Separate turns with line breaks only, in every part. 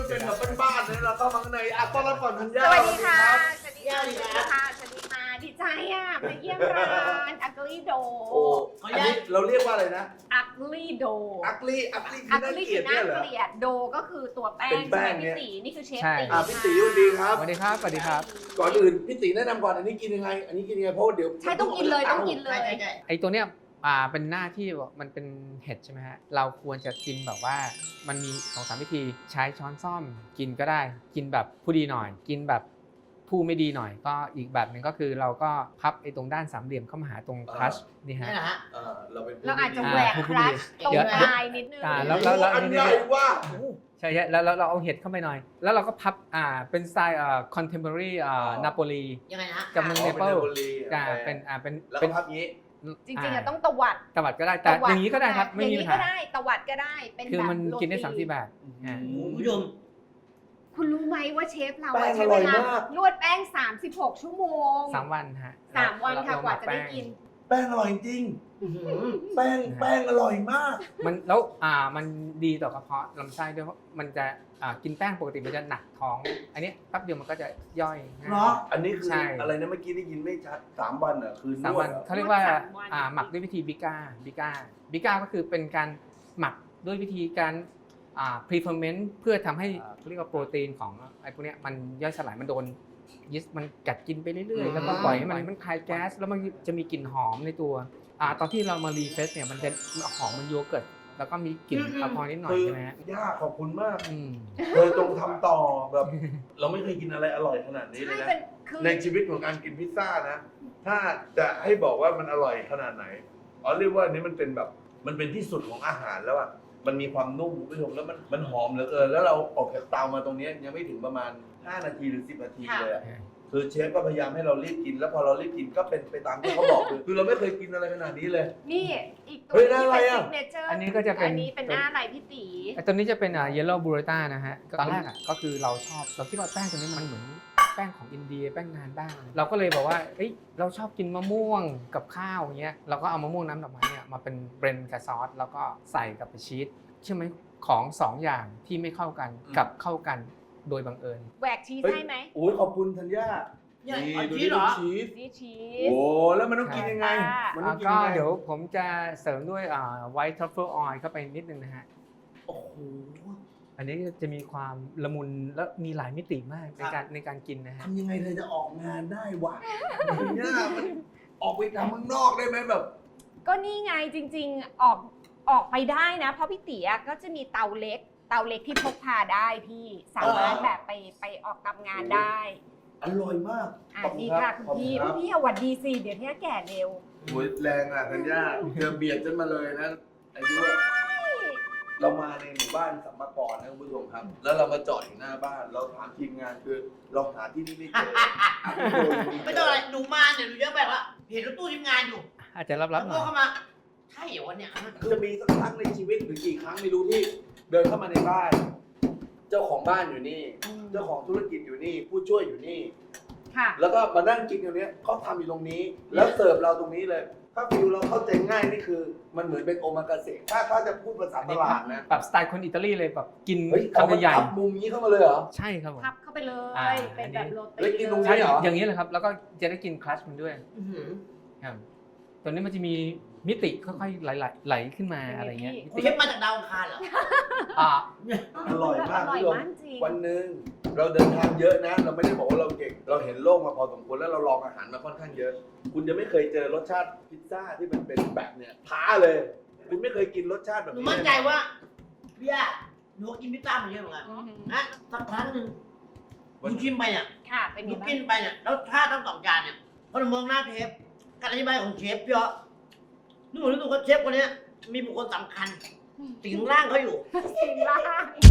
เป็นแบบบ้านๆเลยเราเข้ามาข้างในอ่ะต้อนรับก่อนธัญญา
สวัสดีค่ะสวัสดีค่ะสวัสดีค่ะสวัสดีค่ะดีใจอ่ะมาเยี่ยมร้านอักลี่โด
โอ้อันนี้เราเรียกว่าอะไรนะ
อักลี่โด
อักลี่
อั
คื
ก
อน่า
ลี่
เกลี
คื
ยด
อน่า
เนี่ยเหรอ
เกลียดโดก็คือตัวแป้
เป็
ง
นแป้ง
ใช่ไหม
เนี่ย
พี่ตีนี่คือเชฟ
ใช่
ตี
พี่ตีสวัสดีครับ
สวัสดีครับ สวัสดีครับ
ก่อนอื่นพี่ตีแนะนำก่อนอันนี้กินยังไง อันนี้กินยังไงเพราะว่าเดี๋ยว
ใช่ต้องกินเลยต้องกินเลย
ไอตัวเนี้ยเป็นหน้าที่มันเป็นเห็ดใช่ไหมฮะ เราควรจะกินแบบว่ามันมี2-3วิธีใช้ช้อนซ่อมกินก็ได้ กินแบบผู้ดีหน่อย กินแบบผู้ไม่ดีหน่อย ก็อีกแบบหนึ่งก็คือเราก็พับไอ้ตรงด้านสามเหลี่ยมเข้ามาหาตรงคลัชนี่ฮะ
นี่แหละฮะ
เราเป็น
เราอาจจะแหวกคลัชตรงปลายนิดนึง
แล้ว
อันใหญ่ว่า
ใช่แล้วเราเอาเห็ดเข้าไปหน่อย แล้วเราก็พับเป็นสไตล์contemporary นาโปลี
ยังไงนะ
กับเมืองเนเปิลเป็น
แล้ว
เป็
ก็
น
พับงี้
จริงๆอะต้องตวัด
ตวัดก็ได้แต่อย่างนี้ก็ได้ครับไม่
อย่าง
มี
นี้
ปัญ
ก็
หา
ได้ตวัดก็ได้เป็น
คือ
แบบ
มันกินได้
โรตี
3-4แบบอ่า
คุณผู้ชม
คุณรู้ไหมว่าเชฟเรา
แป้ง
ใช้
อ
เว
ร่อย
ลาม
าก
นวดแป้ง36 ชั่วโมง
3 วันฮะ
3 วันค่ะ
เร
กว่าจะได้
แป้ง
กิน
แป้งอร่อยจริง แป้งอร่อยมาก
มันแล้วมันดีต่อกระเพาะลำไส้ด้วยเพราะมันจะกินแป้งปกติมันจะหนักท้อง อันนี้แป๊บเดียวมันก็จะย่อยง่าย
เนาะ
อันนี้คือ
ใช่
อะไรนะเมื่อกี้ได้ยินไม่ชัด3 วันอ่ะคือน
3
ว
วั
ด
น
เหรอ
เขาเรียกว่า
สามวัน
หมักด้วยวิธีบิก้าก็คือเป็นการหมักด้วยวิธีการpre-ferment เพื่อทำให้เขาเรียกว่าโปรตีนของไอ้พวกเนี้ยมันย่อยสลายมันโดนยีสต์มันกัดกินไปเรื่อยๆแล้วก็ปล่อยให้มันคายแก๊สแล้วมันจะมีกลิ่นหอมในตัวตอนที่เรามารีเฟรชเนี่ยมันจะหอมมันโยเกิร์ตแล้วก็มีกลิ่นแอลกอฮอล์นิดหน่อย
คือ
ใช่ไหมฮะ
ย่าขอบคุณมาก
อืม
เธอจงทำต่อแบบ เราไม่เคยกินอะไรอร่อยขนาดนี้เลย
ใช่
นะ
เป็นคือ
ในชีวิตของการกินพิซซ่านะ ถ้าจะให้บอกว่ามันอร่อยขนาดไหนเรียกว่าอันนี้มันเป็นแบบมันเป็นที่สุดของอาหารแล้วอ่ะมันมีความนุ่มคุณผู้ชมแล้วมันหอมเหลือเกินแล้วเราออกจากเตามาตรงนี้ยังไม่ถึงประมาณ5 นาทีหรือ10 นาทีเลยอะคือเชฟก็พยายามให้เรารีบกินแล้วพอเรารีบกินก็เป็นไปตามที่เขาบอกคือเราไม่เคยกินอะไรขนาดนี้เลย
นี่อีกตัว
เฮ้ย
ที่
อะไร
เป็น
อะ
ซิกเนเจอร์
อันนี้ก็จะเป็น
อันนี้เป็นหน้าอะไรพี่ตี
ไอ้ตัวนี้จะเป็นเยลโล่บูเรต้านะฮะตอนแรกก็คือเราคิดว่าแป้งตัวนี้มันเหมือนแป้งของอินเดียแป้งนานบ้างเราก็เลยบอกว่าเอ้ยเราชอบกินมะม่วงกับข้าวอย่างเงี้ยเราก็เอามะม่วงน้ำดอกไม้เนี่ยมาเป็นเบรนด์กับซอสแล้วก็ใส่กับชีสใช่ไหมของ2 อย่างที่ไม่เข้ากันกับเข้ากันโดยบังเอิญ
แหวกชีสให้ไหม
โอ้ยขอบคุณธัญญา
เนี่ย
นี่
เอา
ดู
ชีสเหรอ
ชีส
นี่ชี
โอ้
ส
แล้วมันต้องกินยังไง มันต้องกิน
ก็
ยังไง
เดี๋ยวผมจะเสริมด้วยไวท์ทรัฟเฟิลออยล์เข้าไปนิดนึงนะฮะ
โอ้โห
อันนี้จะมีความละมุนและมีหลายมิติมากในการกินนะฮะ
ทำยังไงเธอจะออกงานได้วะเนี่ยมันออกไปทำข้างนอกได้ไหมแบบ
ก็นี่ไงจริงๆออกไปได้นะ เพราะพี่ตีก็จะมีเตาเล็กที่พกพาได้พี่สามารถแบบไปออกทำงานได้
อร่อยมาก
อ่ะนี่ค่ะคุณพี่
ขอบ
พี่สวัสดีสิเดี๋ยวนี้แก่เร็ว
โอ้ยแรงอ่ะธัญญาเธอเบียดฉันมาเลยนะอายุเรามาในหมู่บ้านสัมมากรนะคุณผู้ชมครับ แล้วเรามาจอดอยู่หน้าบ้าน เราถามทีมงานคือเราหาที่นี่ไม่เจอ
ไม่ต้องอะไรหนูมาเนี่ยหนูเยอะแบบว่าเห็นรถตู้ทีมงานอยู่
อาจจะรับ
แล้ว
ๆหน่
ก็
อย
เข้ามาใช่เหรอวะเนี่ย
จะมีสักครั้งในชีวิตหรือกี่ครั้งไม่รู้ที่เดินเข้ามาในบ้าน เจ้าของบ้านอยู่นี่ เจ้าของธุรกิจอยู่นี่ ผู้ช่วยอยู่นี่
ค่ะ
แล้วก็มานั่งกินอยู่เนี้ยเขาทำอยู่ตรงนี้ แล้วเสิร์ฟเราตรงนี้เลย ถ้าฟิวเราเข้าใจง่ายนี่คือ มันเหมือนเป็นโอมากาเสะถ้าจะพูดภาษาตลาดนะ
แบบสไตล์คนอิตาลีเลยแบบกิน
เฮ้ยเอา
คำ
มา
ใหญ่
ทับมุมนี้เข้ามาเลยเหรอ
ใช่ครับผม
พับเข้าไปเล
อ่า
ย เป็นแบบโรตี
แล้วกินตรงนี้
ใช่
เหรอ
อย่างนี้เลยครับ แล้วก็จะได้กินคลัชมันด้วย
อื้อหือ
ครับตัวนี้มันจะมีมิติค่อยๆไหลขึ้นมาอะไรเงี้ยมิติ
เชฟมาจากดาวอังคารเหรอ
อ่า
อร่อยมาก
อร่อย
คุณผู้ชม
มากจริง
วันหนึ่งเราเดินทางเยอะนะ เราไม่ได้บอกว่าเราเก่ง เราเห็นโลกมาพอสมควรแล้วเราลองอาหารมาค่อนข้างเยอะ คุณจะไม่เคยเจอรสชาติพิซซ่าที่มันเป็นแบบเนี้ยท้าเลย คุณไม่เคยกินรสชาติแบบ
หนู
นี้
มั่นใจว่าพี่ย่าหนูกินพิซซ่ามาเยอะเหมือนกัน
อือหือ
นะสักครั้งหนึ่งหนูชิมไปเนี่ย
ค่ะ เป็น
ห
ไง
นู
บ้า
กิ
ง
นไปเนี่ยแล้วชาติทั้งสองจานเนี่ยพอหนูมองหน้าเชฟการอธิบายของเชฟเยอะหนูรู้สึกว่าเชฟคนเนี้ยมีบุคคลสำคัญสิงร่างเขาอยู่
สิ่งล่าง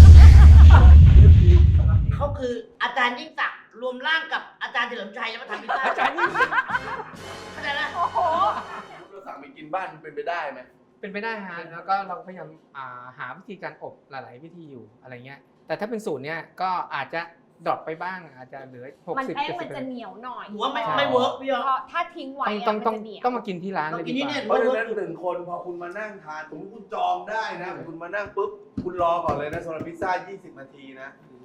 เขาคืออาจารย์ยิ่งศักดิ์รวมร่างกับอาจารย์เฉลิมชัยแล้วมาทำพิซซ่า
อาจารย์ยิ่งศักดิ์
เข้าใจไหม
โอ้โห
เราสั่งไปกินบ้านมันเป็นไปได้ไหม
เป็นไปได้ฮะแล้วก็เราพยายามหาวิธีการอบหลายๆวิธีอยู่อะไรเงี้ยแต่ถ้าเป็นสูตรเนี้ยก็อาจจะดรอปไปบ้างอาจจะเหลือ
มัน
60
แป้งมันจะ
70%
เหนียวหน่อย
หนูว่าไม่เวิร์กพี่ยอ
เพราะถ้าทิ้งไว้อะ
ต้
มัน
อง
จะเหนียว
ต้องมากินที่ร้านเลยดีกว่า
เพราะฉะนั้น1 คนพอคุณมานั่งทานสมมติคุณจองได้นะ คุณมานั่งปุ๊บคุณรอก่อนเลยนะสำหรับพิซซ่า20 นาทีนะ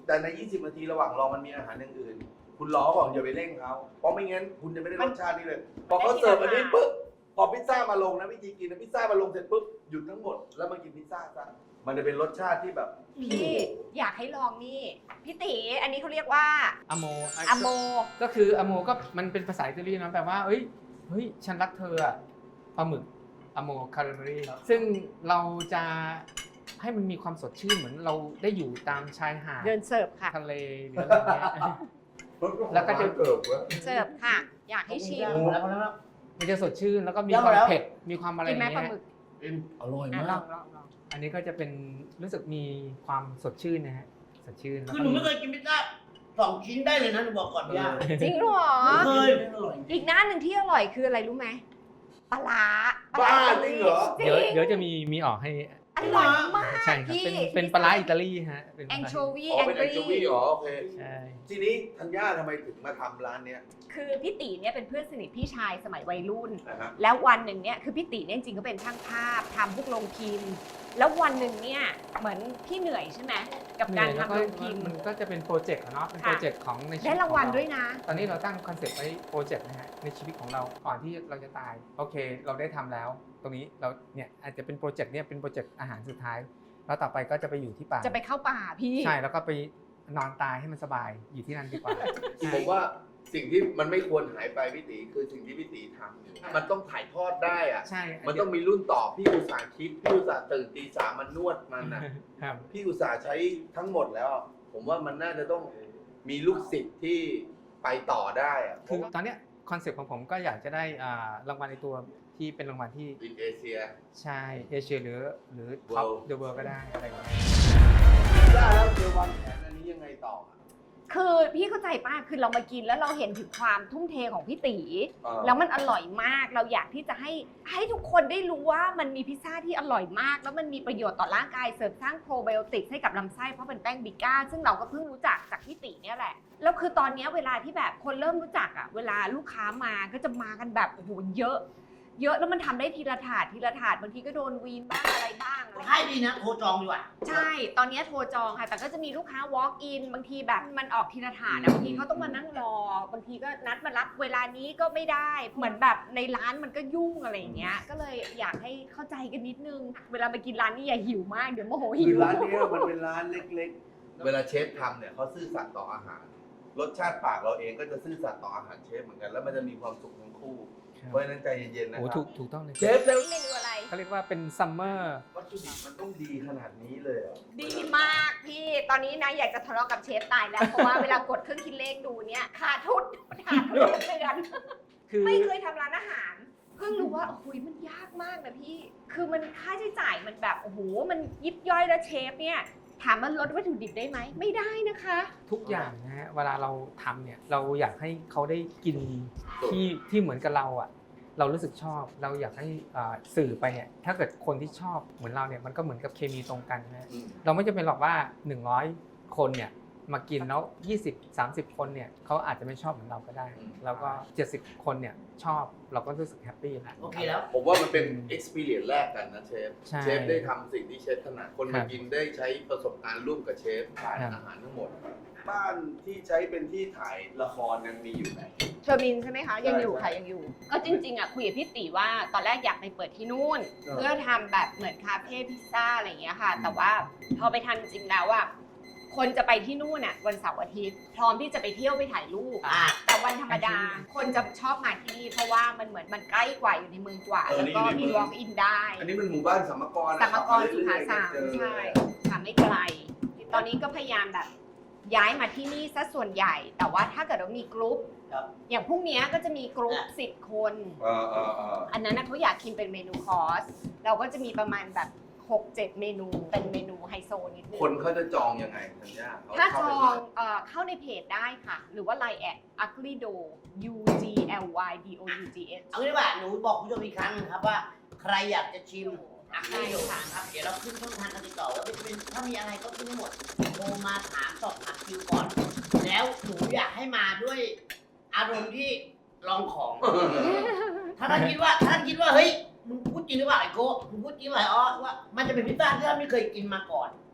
แต่ใน 20 นาทีระหว่างรอมันมีอาหารอย่างอื่น คุณรอก่อนอย่าไปเร่งเขาเพราะไม่งั้นคุณจะไม่ได้รสชาตินี้เลย พอเขาเสิร์ฟอันนี้ปุ๊บพอพิซซ่ามาลงนะวิธีกินนะพิซซ่ามาลงเสร็จปุ๊บหยุดทั้งหมดแล้วมากินพิซซ่าซะมันจะเป็นรสชาติที่แบบ
พี่อยากให้ลองนี่พี่ตีอันนี้เขาเรียกว่า
อโม
อโม
ก็คืออโมก็มันเป็นภาษาอิตาลีนะแปลว่าเฮ้ยฉันรักเธออะปลาหมึกอโมคาร์เมรีซึ่งเราจะให้มันมีความสดชื่นเหมือนเราได้อยู่ตามชายหาด
เดินเสิร์ฟค่ะ
ทะเลหรืออะไรเงี้ย แล้วก็จะ
เกิบวะ
เสิร์ฟค่ะ อยากให้ชิม
แล้วแล้ว
มันจะสดชื่นแล้วก็มีความเผ็ดมีความอะไรอ
กิน
ย่าง
ไหมปลา
เงี้ย
หมึก
อร่อย
อ่ะ
มา
ลอก งลองลอง
อันนี้ก็จะเป็นรู้สึกมีความสดชื่นนะฮะสดชื่นแล้ว
คือ
ก็
หนูไม่เคยกินพิซซ่า2 ชิ้นได้เลยนะหนูบอกก่อนพี่
จริงเหรอ
ไม่เคย
อีกหน้าหนึ่งที่อร่อยคืออะไรรู้ไหมปลาร้า
บ้าจริงเหรอ
จริ
เดี๋ยวจะมีออกให้
อร่อยมาก
ใช่ครับ
พี่
เป็นปลาร้าอิตาลีฮะเป็นป
แอ
ลาน ร้า
โชวี
อ๋อเป็นแอนโชวีอ๋อโอเค
ใช่
ทีนี้ธัญญาทำไมถึงมาทำร้านเนี้ย
คือพี่ตีเนี่ยเป็นเพื่อนสนิทพี่ชายสมัยวัยรุ่น
นะฮะ
แล้ววันหนึ่งเนี่ยคือพี่ตีเนี่ยจริงๆก็เป็นช่างภาพทำพวกโรงพิมพ์ แล้ววันหนึ่งเนี่ยเหมือนพี่เหนื่อยใช่ไหมกับการ
แล้ว
ทำโรงพิมพ์
มันก็จะเป็นโปรเจกต์อะเนาะเป็น
ค่ะ
โปรเจกต์ของในชีวิต
ได้รางวัลด้วยนะ
ตอนนี้เราตั้งคอนเซ็ปต์ไว้โปรเจกต์นะฮะในชีวิตของเราก่อนที่เราจะตายโอเค เราได้ทำแล้ว ตรงนี้เราเนี่ยอาจจะเป็นโปรเจกต์เนี่ยเป็นโปรเจกต์อาหารสุดท้ายแล้วต่อไปก็จะไปอยู่ที่ป่า
จะไปเข้าป่าพี่
ใช่แล้วก็ไปนอนตายให้มันสบายอยู่ที่นั่นดีกว่า
ผมว่าสิ่งที่มันไม่ควรหายไปพี่ตีคือสิ่งที่พี่ตีทำอยู่มันต้องถ่ายทอดได้อะ
ใช่
มันต้องมีรุ่นต่อพี่อุตสาห์คิดพี่อุตสาห์ตื่นตี 3มันนวดมันนะ
ครับ
พี่อุตสาห์ใช้ทั้งหมดแล้ว ผมว่ามันน่าจะต้องมีลูกศิษย์ที่ไปต่อได้อะ
คือตอนเนี้ยคอนเซ็ปต์ของผมก็อยากจะได้รางวัลในตัวที่เป็นรางวัลที่
อินเอเชีย
ใช่เอเชียหรือท็อป
World
เดอะเวิลด์ก็ได้อะไรอย่างเงี้ย
ได้แล้วเจอวางแผนอันนี้ยังไงต่ออะ
คือพี่เข้าใจป้าคือเรามากินแล้วเราเห็นถึงความทุ่มเทของพี่ตี
เออ
แล้วมันอร่อยมาก เราอยากที่จะให้ทุกคนได้รู้ว่ามันมีพิซซ่าที่อร่อยมาก แล้วมันมีประโยชน์ต่อร่างกายเสริมสร้างโปรไบโอติกให้กับลำไส้เพราะเป็นแป้งบิก้าซึ่งเราก็เพิ่งรู้จักจากพี่ตีเนี่ยแหละแล้วคือตอนเนี้ยเวลาที่แบบคนเริ่มรู้จักอ่ะเวลาลูกค้ามาก็จะมากันแบบโอ้โหเยอะแล้วมันทำได้ทีละถาดบางทีก็โดนวีนบ้างอะไรบ้าง
ใช่ดีนะโทรจองดีกว่า
ใช่ ตอนนี้โทรจองค่ะ แต่ก็จะมีลูกค้า walk in บางทีแบบมันออกทีละถาดนะบางทีเขาต้องมานั่งรอ บางทีก็นัดมารับเวลานี้ก็ไม่ได้ เหมือนแบบในร้านมันก็ยุ่งอะไรอย่างเงี้ย ก็เลยอยากให้เข้าใจกันนิดนึง เวลามากินร้านนี้อย่าหิวมาก เดี๋ยวโมโหหิ
คือ
ว
ร้านเนี้ยมันเป็นร้านเล็กๆ เวลาเชฟทำเนี่ยเขาซื่อสัตย์ต่ออาหาร รสชาติปากเราเองก็จะซื่อสัตย์ต่ออาหารเชฟเหมือนกัน แล้วมันจะมีความสุขทั้งคู่ เพราะฉะนั้นใจเย็นๆนะ
โอ้
ครั
ถูกต้องเลย
เชฟแล้ว
เมนูอะไร
เขาเรียกว่าเป็นซัมเมอร์
วัตถุดิบมันต้องดีขนาดนี้เลยเหรอ
ดีมากพี่ ตอนนี้นะอยากจะทะเลาะกับเชฟตายแล้ว เพราะว่าเวลากดเครื่องคิดเลขดูเนี่ยขาดทุนเดือน
คือ
ไม่เคยทำร้านอาหาร เพิ่งรู้ว่าโอ้โหมันยากมากนะพี่ คือมันค่าใช้จ่ายมันแบบโอ้โหมันยิบย่อยแล้วเชฟเนี่ยถามมันลดวัตถุดิบได้ไหมไม่ได้นะคะ
ทุกอย่างนะฮะเวลาเราทำเนี่ยเราอยากให้เขาได้กินที่เหมือนกับเราอ่ะเรารู้สึกชอบเราอยากให้สื่อไปเนี่ยถ้าเกิดคนที่ชอบเหมือนเราเนี่ยมันก็เหมือนกับเคมีตรงกันนะ
อืม
เราไม่จำเป็นหรอกว่า100คนเนี่ยมากินแล้ว20-30 คนเนี่ยเขาอาจจะไม่ชอบเหมือนเราก็ได้ แล้วก็70 คนเนี่ยชอบเราก็รู้สึกแฮปปี้แล้ว
โอเคแล้ว
ผมว่ามันเป็น experience แรกกันนะเชฟ
ใช่
เชฟได้ทำสิ่งที่เชฟถนัด คน
ครั
มา
บ
กินได้ใช้ประสบการณ์ร่วมกับเชฟถ่าย
ครับ
อาหารทั้งหมด บ้านที่ใช้เป็นที่ถ่ายละครยังมีอยู่ไหม
เชอร์มินใช่ไหมคะยังอยู่
ใช่
ค่ะยังอยู่ ก็จริงๆอ่ะคุยกับพี่ตีว่าตอนแรกอยากไปเปิดที่นู่น เพื่อทำแบบเหมือนคาเฟ่พิซซ่าอะไรอย่างเงี้ยค่ะ แต่ว่าพอไปทำจริงแล้วอ่ะคนจะไปที่นู่นอ่ะวันเสาร์อาทิตย์พร้อมที่จะไปเที่ยวไปถ่ายรูป
อ่า
แต่วันธรรมดา คนจะชอบมาที่นี่เพราะว่ามันเหมือนมันใกล้กว่าอยู่ในเมืองกว่า แล้วก็มี walk in ได้
อันนี้มันหมู่บ้านสัมมกรนะ
สัมมกรสุขาสาม
เรื่อยๆ
ใช่ค่ะไม่ไกล ตอนนี้ก็พยายามแบบย้ายมาที่นี่ซะส่วนใหญ่ แต่ว่าถ้าเกิดว่ามีกรุ๊ป
ครับ
อย่างพรุ่งนี้ก็จะมีกรุ๊ป10 คน อันนั้นนะเขาอยากกินเป็นเมนูคอร์สเราก็จะมีประมาณแบบ 6-7 เมนูเป็นเมนูไฮโซนิดนึง
คนเขาจะจองยังไงธัญญาเข
ถ้าจ
เข้
อ
ไป
งเข้าในเพจได้ค่ะ หรือว่า Line แอด ugly do u g l y d o u g s
เอางี้ดีกว่าหนูบอกผู้ชมอีกครั้งหนึงครับว่า ใครอยากจะชิมอ่ะ
ใช่
ให้อยู่
ค่ะ
ครับเดี๋ยวเราขึ้นช่องทางการติดต่อไว้เป็นถ้ามีอะไรก็ขึ้นให้หมดโทรมาถามสอบถามคิวก่อน แล้วหนูอยากให้มาด้วยอารมณ์ที่ลองของ ถ้าท่านคิดว่าเฮ้ยมึงพูดจริงหรือเปล่าไอ้โก้มึงพูดจริงหรือเปล่าอ๋อว่ามันจะเป็นพิซซ่าที่ท่านไม่เคยกินมาก่อน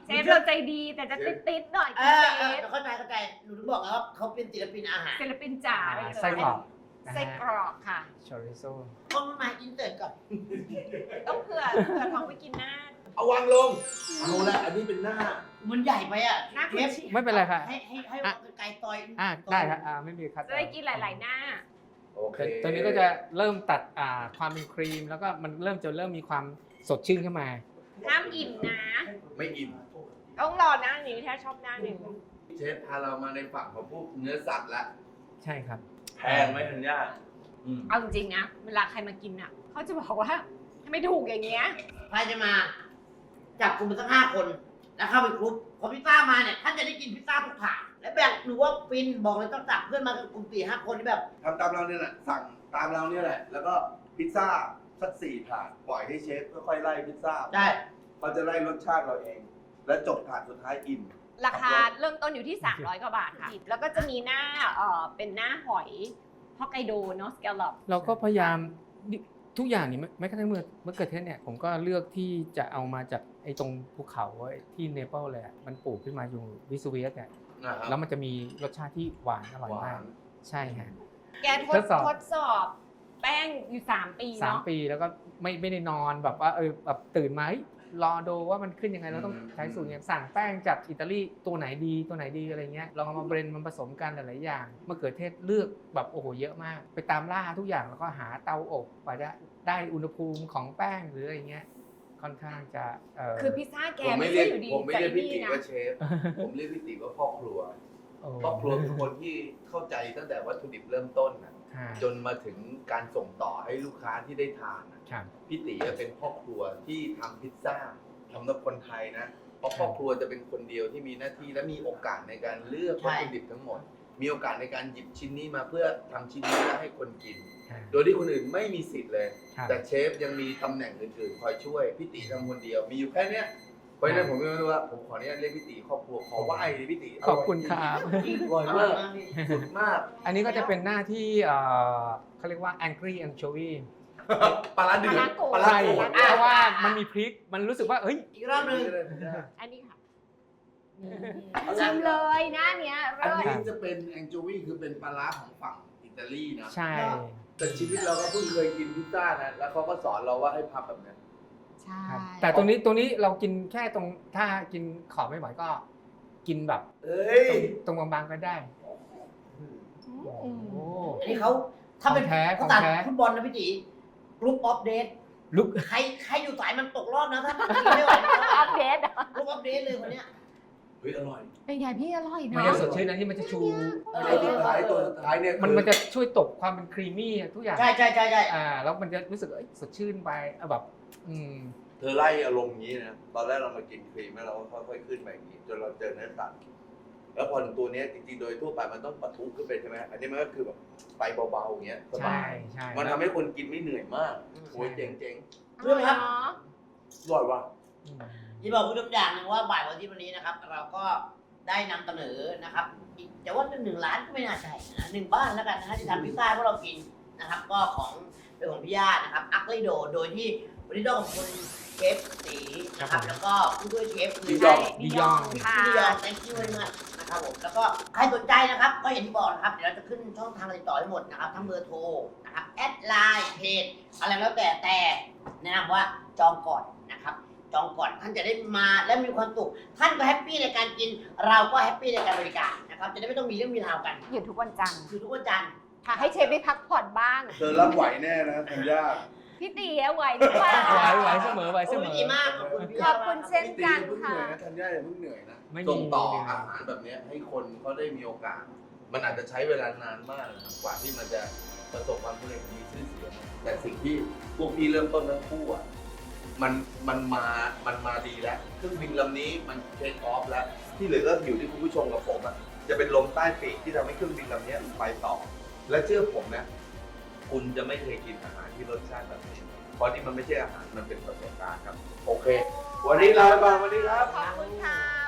เชฟเราใจดีแต่จะติดๆหน่อย
เอ
เช
อ
ฟ
เข้าใจหนูถึงบอกแล้วว่าเขาเป็นศิลปินอาหาร
ศิลปินจ๋าเลย
ไส้กรอกนะ
ไส้
ฮะ
กรอกค่ะ
ชอริโซ
ต้องมาอินเตอร์ก่อน
ต้องเผื่อท้องไปกินหน้า
เอาวางลงเอาละอันนี้เป็นหน้า
มันใหญ่ไปอ่ะ
หน้า
เช
คุณ
ฟ
ชิ
ไม่เป็นไรค่ะ
ให้ไก่ซอย
ได้ครับไม่มีครับ
จะได้กินหลายๆหน้า
โอเค
ตัวนี้ก็จะเริ่มตัดความเป็นครีม แล้วก็มันเริ่มมีความสดชื่นขึ้นมา
ห้ามอิ่มนะ
ไม่อิ่ม
ต้องรอหน้านี้ถ้าชอบหน้าหนึ่ง
เชฟพาเรามาในฝั่งของพวกเนื้อสัตว์ละ
ใช่ครับ
แพงไหมธัญญาอืม
เอาจริงๆนะ เวลาใครมากินอ่ะเขาจะบอกว่าทำไมถูกอย่างเงี้ย
ใครจะมาจับกลุ่มเป็นสัก5 คนแล้วเข้าไปกรุ๊ปพอพิซซ่ามาเนี่ยท่านจะได้กินพิซซ่าทุกถาดและแบบหนูว่าฟินบอกเลยต้องจับเพื่อนมากันกลุ่ม4-5 คนที่แบบ
ทำตามเราเนี่ยแหละสั่งตามเราเนี่ยแหละ แล้วก็พิซซ่าสัก4 ถาดปล่อยให้เชฟค่อยๆไล่พิซซ่า
ได้
เขาจะไล่รสชาติเราเอง และจบถาดสุดท้ายอิ่ม
ราคาเริ่มต้นอยู่ที่ 300 กว่าบาทค่ะ แล้วก็จะมีหน้าเป็นหน้าหอยฮอกไกโดเนาะสแกลลอป
เราก็พยายามทุกอย่างนี่แม้กระทั่งเมื่อเกิดเทศเนี่ยผมก็เลือกที่จะเอามาจากไอ้ตรงภูเขาที่เนเปิลเลยอะมันปลูกขึ้นมาอยู่วิสเวียสเนี่ย
นะครับ
แล้วมันจะมีรสชาติที่หวานอร่อย
หวาม
าก
น
ใช่ฮะ
แกท
ทดสอบ
สอบแป้งอยู่ 3 ปี
3
เนาะ
ปีแล้วก็ไม่ได้นอนแบบว่าแบบตื่นมาเฮ้ยรอดูว่ามันขึ้นยังไงเราต้องใช้สูตรเนี่ยสั่งแป้งจากอิตาลีตัวไหนดีอะไรเงี้ยลองเอามาเบรนด์มันผสมกันหลายๆอย่างมะเขือเทศเลือกแบบโอ้โหเยอะมาก ไปตามล่าทุกอย่างแล้วก็หาเตาอบกว่าจะได้อุณหภูมิของแป้งหรืออะไรเงี้ยค่อนข้างจะ
คือพิซซ่าแก
ผม
ไม่
ไม่เรี
ใช่
ยก
อยู่ดี
ผมไม่
ใจ
เรียกพี่
นี่
ติ
นะ
ว่าเชฟ ผมเรียกพี่ติว่าพ่อครัว
โอ้
พ่อครัวคือคนที่เข้าใจตั้งแต่วัตถุดิบเริ่มต้นนะ
ค่ะ
จนมาถึงการส่งต่อให้ลูกค้าที่ได้ทานน่ะ
ครับ
พี่ติเป็นพ่อครัวที่ทำพิซซ่าทำสำหรับคนไทยนะ เพราะพ่อครัวจะเป็นคนเดียวที่มีหน้าที่และมีโอกาสในการเลือกวัตถุดิบทั้งหมด มีโอกาสในการหยิบชิ้นนี้มาเพื่อทำชิ้นนี้แล้วให้คนกิน โดยที่คนอื่นไม่มีสิทธิ์เลย
ครับ
แต่เชฟยังมีตำแหน่งอื่นๆ คอยช่วยพี่ติทำคนเดียว มีอยู่แค่เนี้ยเพราะฉะนั้นผมไม่รู้ว่าผมขออนุญาตเรียกพี่ติครอบครัวขอไหว้เลยพี่ติ
ขอบคุณครับ
อร่อยมากสุดมาก
อันนี้ก็จะเป็นหน้าที่เขาเรียกว่า angry anchovy
ปลาร้าเดือดปลาร้า
ใช่
โกรธ
เพราะว่ามันมีพริกมันรู้สึกว่าเอ้ย
อีกรอบหนึง
อันนี้ค่ะชิมเลยหน้าเนี้ย
อัน
เริ่ม
นี้จะเป็นแองโจวีคือเป็นปลาร้าของฝั่งอิตาลีนะ
ใช่
แต่ชีวิตเราก็เพิ่งเคยกินพิซซ่านะแล้วเขาก็สอนเราว่าให้พับแบบนี้
ใช่
ครับแต่ตรงนี้เรากินแค่ตรงถ้ากินขอบไม่ไหวก็กินแบบ
เอ้ย
ตรงบางๆก็ได้
อืม
โอ้
อันนี้เขาถ้าเป็น
ของแท้
ภาษา
ของแท้
ฟุตบอลนะพี่ตีกรุ๊ปออฟเดต
ลุก
ใครอยู่สายมันตกรอบนะถ้าไม่ไหว
อัปเดตเหรอก
รุ๊ปออฟเดตเลยคนเนี้ย
เฮ้ยอร่อย
เป็นไงพี่อร่อย
มัน
เนาะ
จะสดชื่นนะที่มันจะชู
ตัวสุดท้ายเนี่ย
มันจะช่วยตบความเป็นครีมมี่ทุกอย่าง
ใช่
แล้วมันจะรู้สึกสดชื่นไปแบบ
เธอไล่อารมณ์อย่างนี้นะตอนแรกเรามากินครีมแล้วเราก็ค่อยๆขึ้นมาอย่างนี้จนเราเจอเนื้อสัตว์แล้วพอถึงตัวเนี้ยจริงๆโดยทั่วไปมันต้องปะทุขึ้นไปใช่ไหมอันนี้มันก็คือแบบไปเบาๆอย่างเงี้ยสบา
ใช่
ย
ใช่
มันทำให้คนกินไม่เหนื่อยมากโอ้ยเจ๋ง
เรื่องครับ
ๆอร่อยว่ะ
ที่บอกผู้ชมอย่างหนึ่งว่าบ่ายวันที่วันนี้นะครับ เราก็ได้นำเสนอนะครับอีกแต่ว่า1 ล้านก็ไม่น่าใช่นะ1 บ้านแล้วกันนะฮะที่ทำพิซซ่าพวกเรากินนะครับ ก็ของเป็นของพี่ญาตินะครับอักลิโดโดยที่วันนี้ต้องขอบคุณเชฟตีนะครับแล้วก็ผู้ช่วยเชฟคือ
ดิยอง
ดิยองค่ะ
พี่ยอง thank you very much นะครับผมแล้วก็ใครสนใจนะครับ ก็อย่างที่บอกนะครับเดี๋ยวเราจะขึ้นช่องทางติดต่อให้หมดนะครับทั้งเบอร์โทรนะครับแอดไลน์เพจอะไรแล้วแต่แนะนำว่าจองก่อนนะครับจองก่อนท่านจะได้มาและมีความสุขท่านก็แฮปปี้ในการกิน เราก็แฮปปี้ในการบริการนะครับจะได้ไม่ต้องมีเรื่องมีราวกัน
หยุดทุกวันจันทร์
คือทุกวันจันทร์
ค่ะ ให้เชฟได้พักผ่อนบ้าง
เธอรับไหวแน่นะธัญญา
พี่ตีไหวหรือเปล่า
ไหวเสมอไหว
โอ้
เส
ย
มอ
ดีมากขอบคุณพี่
ขอบคุณเช่น
พี่ตีอย่าเพิ่งเหนื่อยนะธัญญาอย่าเพิ่งเหนื่อยนะ
ไม่มี
ส่งต่ออาหารแบบเนี้ยให้คนเขาได้มีโอกาส มันอาจจะใช้เวลานานมากนะครับกว่าที่มันจะประสบความสำเร็จมีชื่อเสียงแต่สิ่งที่พวกพี่เริ่มต้นทั้งคู่อ่ะมันมาดีแล้วเครื่องบินลำนี้มันเทคออฟแล้วที่เหลือก็อยู่ที่คุณผู้ชมกับผมอ่ะจะเป็นลมใต้ปีกที่ทำให้เครื่องบินลำนี้ไปต่อ และเชื่อผมนะคุณจะไม่เคยกินอาหารที่รสชาติแบบนี้เพราะนี่มันไม่ใช่อาหารมันเป็นประสบการณ์ครับ โอเค วันนี้ลาไปก่อนสวัสดีครับ
ขอบคุณค่ะ